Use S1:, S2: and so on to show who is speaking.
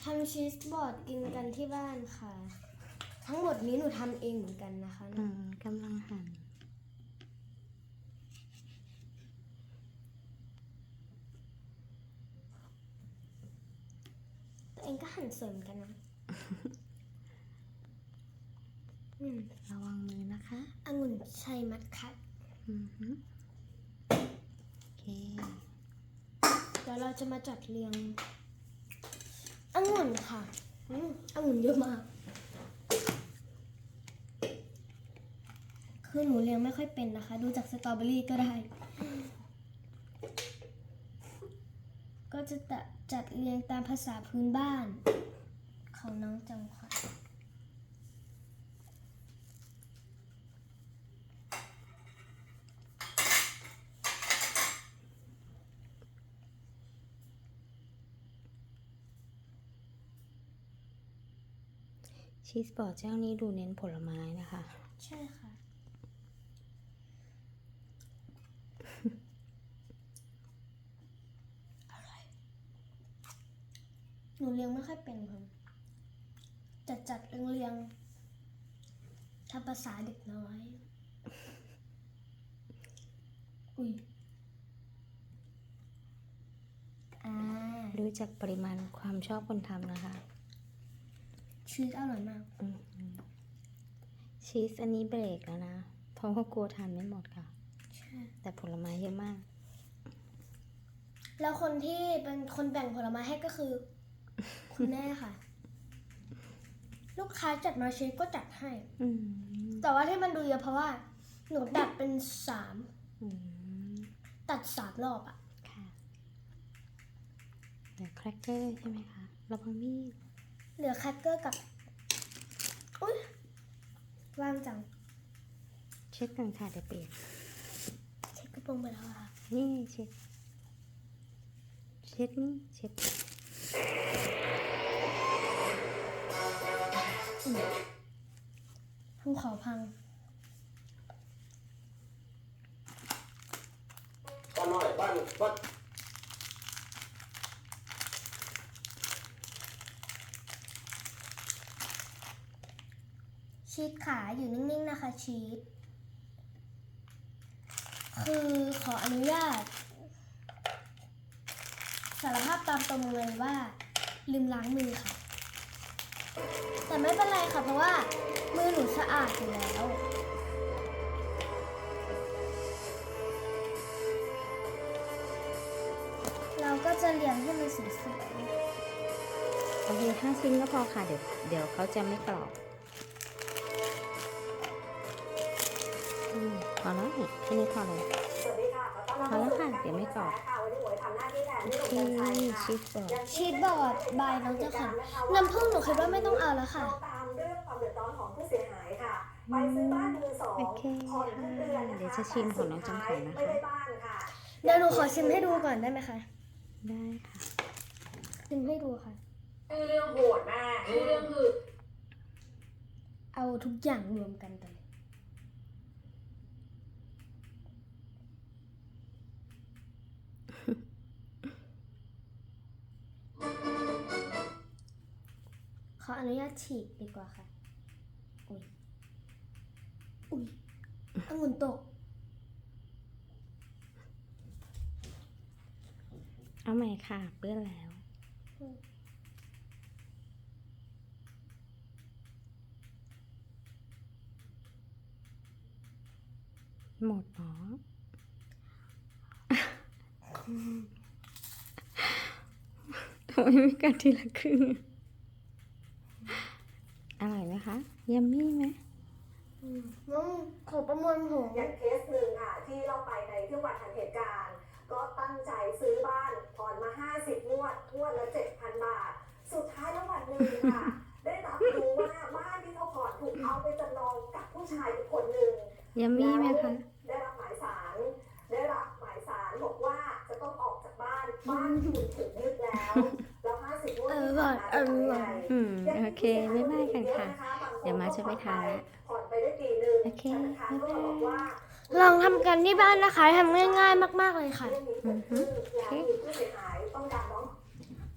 S1: ำชีสบอร์ดกินกันที่บ้านค่ะ ทั้งหมดนี้หนูทำเองเหมือนกันนะคะ
S2: กำลังหั่น
S1: ตัวเองก็หั่นสวยเหมือนกันนะ
S2: ระวังมือนะคะ
S1: องุ่นชัยมัดคัด
S2: โอเค
S1: เดี๋ยวเราจะมาจัดเรียงองุ่นค่ะองุ่นเยอะมาก คือหนูเรียงไม่ค่อยเป็นนะคะ ดูจากสตรอเบอรี่ก็ได้ ก็จะจัดเรียงตามภาษาพื้นบ้านของน้องจำขวัญ
S2: ชีสบอร์ดเจ้านี้ดูเน้นผลไม้นะคะ
S1: ใช่ค่ะ หนูเลี้ยงไม่ค่อยเป็นค่ะจัดเรียงทำภาษาเด็กน้อย อุ้ย
S2: ดูจากปริมาณความชอบคนทำนะคะ
S1: ชีสอร่อยมาก
S2: ชีสอันนี้เบรกแล้วนะ เพราะว่ากลัวทานไม่หมดค่ะ
S1: ใช่
S2: แต่ผลไม้เยอะมาก
S1: แล้วคนที่เป็นคนแบ่งผลไม้ให้ก็คือ คุณแม่ค่ะ ลูกค้าจัดมาชีสก็จัดให้ แต่ว่าที่มันดูเยอะเพราะว่า หนูตัดเป็นตัด3 รอบอะ
S2: ค่ะเหลือแครกเกอร์ใช่ไหมคะระวังมีด
S1: เหลือแครกเกอร์กับ อุ๊ยว่างจัง
S2: เช็ดกันค่ะเดี๋ยวเปียก
S1: เช็ดกระโปรงไปแล้วค่ะ
S2: นี่เช็ดนี่เช็ด
S1: ภูเขาพัง
S3: ป้าน้อยป้า
S1: ชีสขาอยู่นิ่งๆนะคะชีสคือขออนุญาตสารภาพตามตรงเลยว่า ลืมล้างมือค่ะ แต่ไม่เป็นไรค่ะเพราะว่ามือหนูสะอาดอยู่แล้ว เราก็จะเรียงให้มันสวย
S2: โอเค5 ชิ้นก็พอค่ะเดี๋ยวเขาจะไม่กรอบพอแล้วแค่นี้พอเลย
S4: สวัสดีค่ะขอต้อนรับ
S2: พอแล้วค่ะเดี๋ยวไม่กรอบ
S4: ค่ะวันนี้หมวยทำหน้าที่แทน
S2: โอ
S4: พี่ห
S2: เค
S4: นุ่มกัญชัยค่ะ
S2: ชีสบอร์ด
S1: ๆชีสบอร์ดบายน้องเจ้าค่ะน้ำผึ้งหนูคิดว่าไม่ต้องเอาแล้วค่ะ
S4: เราตามเรื่องความเดือดร้อนของผู้เสียหายค่ะ ไปซื้อบ้านมือสอง
S2: โอเค
S4: ผ่อนทุกเดือนนะคะ
S2: เดี๋ยวจะชิมของน้องจำขวัญนะคะ
S4: ไม่ได้บ้านค่ะ
S1: เดี๋ยวหนูขอชิมให้ดูก่อนได้ไหมคะ
S2: ได้ค่ะ
S1: ชิมให้ดูค่ะ
S5: ชื่อเรื่องโหดมากชื่อเรื่องคือ
S1: เอาทุกอย่างรวมกันไปเลยขออนุญาตฉีกดีกว่าค่ะ อุ้ยองุ่นตก
S2: เอาใหม่ค่ะเปื้อนแล้ว หมดเนาะ ทำไมไม่กัดทีละครึ่ง อร่อยไหมคะยัมมี่ไหม
S1: น้องขอประมวลผล
S4: อย่างเคสหนึ่งค่ะที่เราไปในที่วัดทันเหตุการณ์ ก็ตั้งใจซื้อบ้านผ่อนมา50 งวดละ 7,000 บาท สุดท้ายแล้ววันหนึ่งค่ะ ได้รับรู้ว่าบ้านที่เขาผ่อนถูกเอาไปจำนองกับผู้ชายอีกคนหนึ่ง
S2: ยัมมี่ไหมคะ
S4: ได้รับหมายสารบอกว่าจะต้องออกจากบ้านคุณถูกยึดแล้ว50 งวดที่ผ่านมาจะทำยังไง
S2: โอเคบ๊ายบายกันค่ะ เดี๋ยวมาจะไปทานละ
S4: ผ่อนไปได้ปีนึง
S2: โอเค
S4: ธนาคารก็บอกว่า
S1: ลองทำกันที่บ้านนะคะทำง่ายๆมากๆเลยค่ะ
S4: เรื่องนี้เกิดขึ้นแล้วมีผู้เสียหาย